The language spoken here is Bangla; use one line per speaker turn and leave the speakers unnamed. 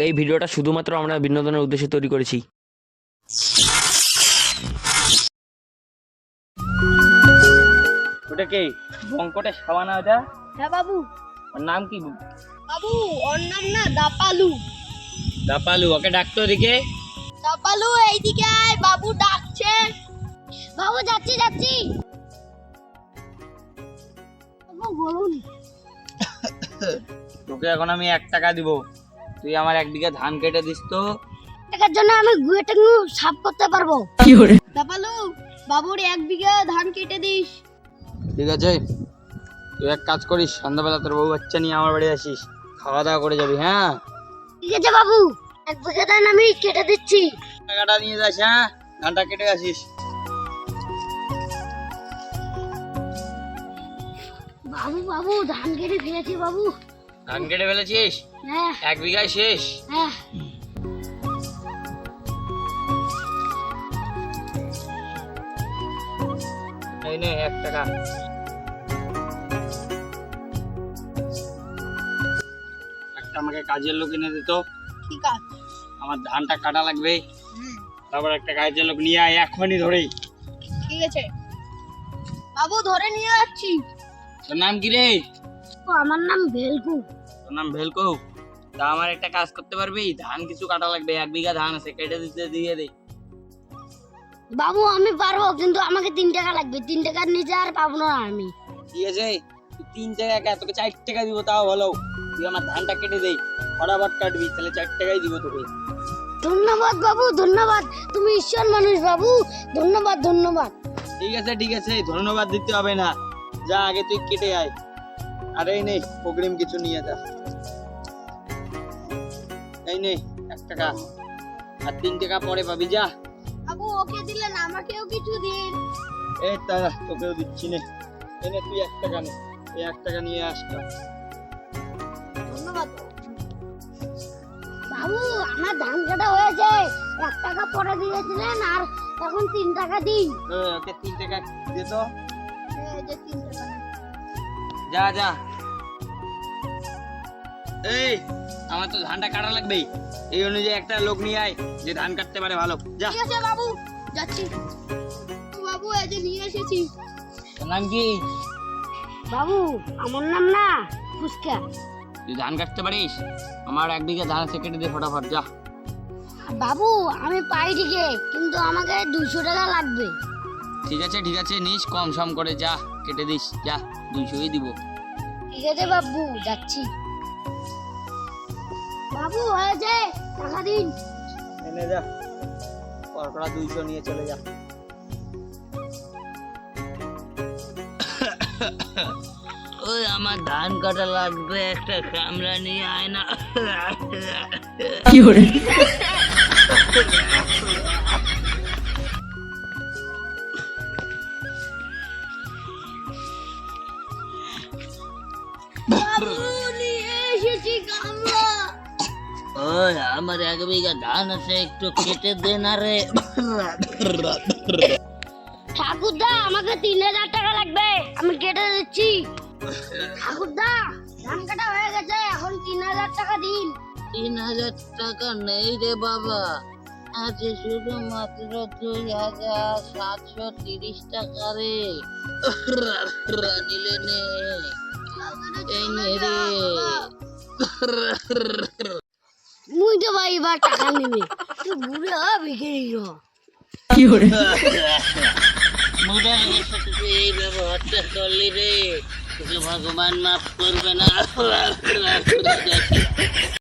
এই ভিডিওটা শুধুমাত্র আমরা বিনোদনের উদ্দেশ্যে তৈরি করেছি। ওটা কে? বঙ্কটের সাবানা ওটা?
হ্যাঁ বাবু।
ওর নাম কি?
বাবু ওর নাম না দাপালু।
দাপালু, ওকে ডাকতো ওদিকে।
দাপালু এইদিকে আয়, বাবু ডাকছে। বাবু যাচ্ছি যাচ্ছি। বাবু বলুন।
তোকে এখন আমি 1 টাকা দিব, তুই আমার 1 বিঘা ধান কেটে দিস তো।
টাকার জন্য আমি গুয়েটা সাফ করতে পারবো। দাপালু বাবুর 1 বিঘা ধান কেটে দিস।
ঠিক আছে, তুই এক কাজ করিস, সন্ধ্যাবেলা তোর বউ বাচ্চা নিয়ে আমার বাড়ি আসিস, খাওয়া দাওয়া করে যাবি। হ্যাঁ
ঠিক আছে বাবু, 1 বিঘা ধান আমি কেটে দিচ্ছি।
টাকাটা নিয়ে যাস। হ্যাঁ, ধানটা কেটে আসিস।
বাবু বাবু ধান কেটে ফেলেছি বাবু।
ধান কেটে ফেলেছিস?
হ্যাঁ
1 বিঘায় শেষ?
হ্যাঁ।
এই নে 1 টাকা। একটা আমাকে কাজের লোক এনে দিত।
ঠিক আছে।
আমার ধানটা কাটা লাগবে, তারপর একটা কাজের লোক নিয়ে আয় এখনই ধরেই।
ঠিক আছে বাবু, ধরে নিয়ে যাচ্ছি।
তোর নাম কি রে?
আমার নাম ভেলকু।
তোর নাম ভেলকো? তা আমার একটা কাজ করতে পারবি? ধান কিছু কাটা লাগবে, 1 বিঘা ধান আছে, কেটে দিতে দিয়ে দে।
বাবু আমি পারবো, কিন্তু আমাকে 3 টাকা লাগবে। 3 টাকার নিচে আর পাবো না আমি।
ঠিক আছে, তুই 3 টাকা কে, তোকে 4 টাকা দিব তাও ভালো। তুই আমার ধানটা কেটে দে, ফটাফট কাটবি, তাহলে 4 টাকাই দিব তোকে।
ধন্যবাদ বাবু, ধন্যবাদ। তুমি ঈশ্বর মানুষ বাবু, ধন্যবাদ ধন্যবাদ।
ঠিক আছে ঠিক আছে, ধন্যবাদ দিতে হবে না, যা আগে তুই কেটে আয়। আর এই নে অগ্রিম কিছু নিয়ে যা। এই নে 1 টাকা, আর 3 টাকা পরে পাবি, যা।
বাবু ওকে দিলেন, আমাকেও কিছু দিন।
এই তা তোকেও দিচ্ছি নে। এই নে তুই 1 টাকা নে, এই 1 টাকা নিয়ে আসলাম।
ধন্যবাদ বাবু। আমার ধান কাটা হয়েছে, 1 টাকা পরে দিয়েছিলেন, আর এখন 3 টাকা দিন।
ওকে 3 টাকা দে তো।
এই যে 3 টাকা।
যা যা। এই আমার তো ধানটা কাটা লাগবে, এই অনুযায়ী একটা লোক নিয়ে আয় যে ধান কাটতে পারে ভালো, যা।
ঠিক আছে বাবু, যাচ্ছি। বাবু এই যে নিয়ে এসেছি।
তোর নাম কি?
বাবু আমার নাম না ফুচকা।
তুই ধান কাটতে পারিস? আমার 1 বিঘা ধান আছে, কেটে দে ফটাফট, যা।
বাবু আমি পাই ঠিকই, কিন্তু আমাকে 200 টাকা লাগবে।
ঠিক আছে নিস, কম সম করে, যা কেটে দিস, যা 200ই দিব।
ঠিক আছে বাবু, যাচ্ছি। বাবু হয়েছে, টাকা দিন।
এনে যা, পরপরা 200 নিয়ে চলে যা। ওই আমার ধান কাটা লাগবে, একটা কামরা নিয়ে আয় না।
কি করে?
বাবু নিয়ে এসেছি কামলা।
ওই আমার 1 বিঘা ধান আছে, একটু কেটে দে না রে।
ঠাকুরদা আমাকে 3000 টাকা লাগবে, আমি কেটে দিচ্ছি। ঠাকুরদা ধান কাটা হয়ে গেছে, এখন 3000 টাকা দিন।
3000 টাকা নেই রে বাবা, আছে শুধুমাত্র 2730 টাকা রে। নিলে নে, এই নে রে।
মুই তো ভাই এবার টাকা নিবি, তুই বুড়ো বিক্রি হ।
কি করে?
মুদার সাথে তুই এই ব্যবহারটা করলি রে, তোকে ভগবান মাফ করবে না।